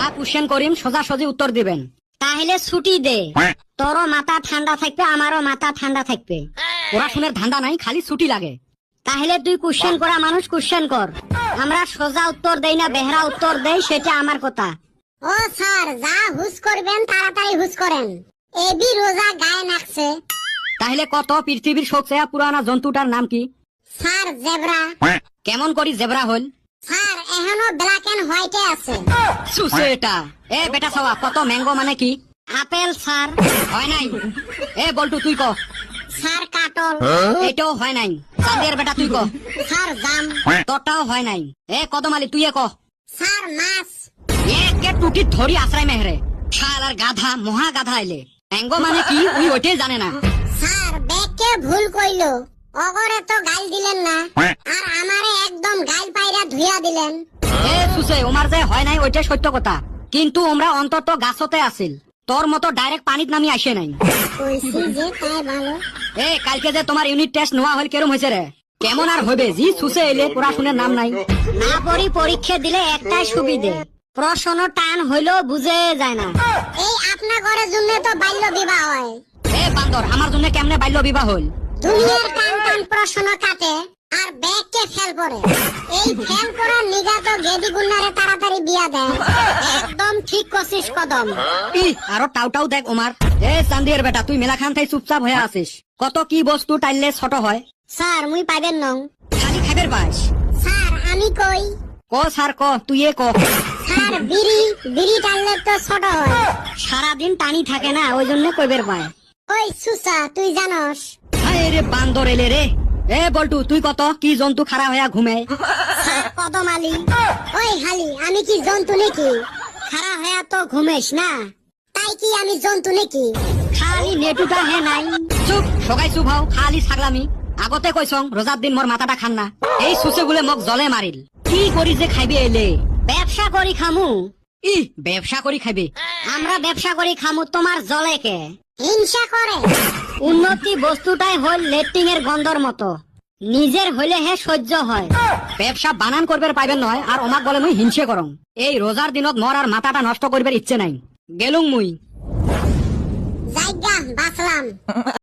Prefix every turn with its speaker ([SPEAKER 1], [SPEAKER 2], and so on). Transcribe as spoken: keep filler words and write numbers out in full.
[SPEAKER 1] আর question করিম সোজা সোজি উত্তর দিবেন। তাহলে ছুটি দে, তোরও মাথা ঠান্ডা থাকবে আমারও মাথা ঠান্ডা থাকবে। পড়াশোনার ধান্দা নাই, খালি ছুটি লাগে। তাহলে তুই কোশ্চেন করা মানুষ কোশ্চেন কর, আমরা সোজা উত্তর দেই না বেহরা উত্তর দেই সেটা আমার কথা।
[SPEAKER 2] ও স্যার, যা হুস করবেন তাড়াতাড়ি হুস করেন, এবি রোজা গায়ে নাকছে।
[SPEAKER 1] তাহলে কত পৃথিবীর সবচেয়ে পুরানা জন্তুটার নাম কি?
[SPEAKER 2] Sir zebra.
[SPEAKER 1] কেমন করি জেব্রা হল?
[SPEAKER 2] স্যার এখনো ব্ল্যাক এন্ড হোয়াইটে আছে।
[SPEAKER 1] সুসে এটা এ বেটা সবা কত ম্যাঙ্গো মানে কি?
[SPEAKER 2] Apple sir.
[SPEAKER 1] হয় নাই। এ বলটু তুই ক।
[SPEAKER 2] স্যার কাটল।
[SPEAKER 1] এটাও হয় নাই। চাঁদের বেটা তুই ক।
[SPEAKER 2] স্যার জাম।
[SPEAKER 1] তোরটাও হয় নাই। এ কদমালি তুই ক।
[SPEAKER 2] স্যার মাছ।
[SPEAKER 1] একে টুটি ধরি আশ্রয় মেহরে শালার গাধা মহা গাধা এলে ম্যাঙ্গো মানে কি উনি ওইটাই জানে না।
[SPEAKER 2] স্যার ব্যাগকে ভুল কইলো, অগরে তো গাল দিলেন না আর আমারে একদম গাল পাইরা ধুইয়া দিলেন।
[SPEAKER 1] এ সুসে ওমার যে হয় নাই ওইটাই সত্য কথা, কিন্তু আমরা অন্তত গাছতে আছিল, তোর মতো ডাইরেক্ট পানিত নামি আসে নাই।
[SPEAKER 2] কইছি যে তাই ভালো।
[SPEAKER 1] এ কালকে যে তোমার ইউনিট টেস্ট নেওয়া হল কেরম হয়েছে রে? কেমন আর হবে, জি সুসে এলে পড়াশোনার নাম নাই। না পড়ি পরীক্ষা দিলে একটাই সুবিধে, প্রশ্ন টান হইলেও বুঝে যায় না।
[SPEAKER 2] এই আপনা ঘরের জন্য তো বাল্য বিবাহ হয়।
[SPEAKER 1] এ বান্দর আমার জন্য কেমনে বাল্য বিবাহ হল?
[SPEAKER 2] দুনিয়ার টান টান প্রশ্ন কাটে আর ব্যাগকে ফেল করে, এই ফেল করার নিগা তো গেদি গুন্নারে তাড়াতাড়ি বিয়া দেয়। একদম ঠিক করছিস কদম।
[SPEAKER 1] ই আরো টাউ টাউ দেখ ওমার। এ চান্দির বেটা তুই মেলা খান থাই চুপচাপ হয়ে আছিস, কত কি বস্তু টাইলে ছোট হয়।
[SPEAKER 2] স্যার মুই পাইবেন নং।
[SPEAKER 1] খালি খাইবের পাস।
[SPEAKER 2] স্যার আমি কই।
[SPEAKER 1] ক স্যার ক, তুই এ ক।
[SPEAKER 2] স্যার বিড়ি বিড়ি টানলে তো ছোট হয়।
[SPEAKER 1] সারাদিন টানি থাকে না ওই জন্য কইবের পায়।
[SPEAKER 2] ওই সুসা তুই জানস?
[SPEAKER 1] হায় রে বান্দর এলে রে। এ বল্টু তুই কত কি জন্তু খাড়া হইয়া ঘুমে?
[SPEAKER 2] স্যার কদম আলী। ওই হালি আমি কি জন্তু নাকি? খাড়া হয়ে তো ঘুমেস না, তাই কি আমি জন্তু নাকি?
[SPEAKER 1] খালি নেটুটা হে নাই। চুপ সগাই চুপ হও, খালি ছাগলামি। আগতে কইছং রোজার দিন মোর মাথাটা খান না, এই সুসে গুলে মোক জলে মারিল। কি করি যে খাইবে এলে?
[SPEAKER 2] ব্যবসা করি খামু।
[SPEAKER 1] ই ব্যবসা করি খাইবে?
[SPEAKER 2] আমরা ব্যবসা করি খামু, তোমার জলে কে হিংসা করে?
[SPEAKER 1] উন্নতি বস্তুটাই হল লেট্রিং এর গন্ধর মতো, নিজের হইলে হে সহ্য হয়। ব্যবসা বানান করবার পাইবেন নয় আর অমাক বলে মুই হিংসে করং। এই রোজার দিনত মোর আর মাথাটা নষ্ট করবার ইচ্ছে নাই, গেলুং মুই।
[SPEAKER 2] জায়গা বাঁচলাম।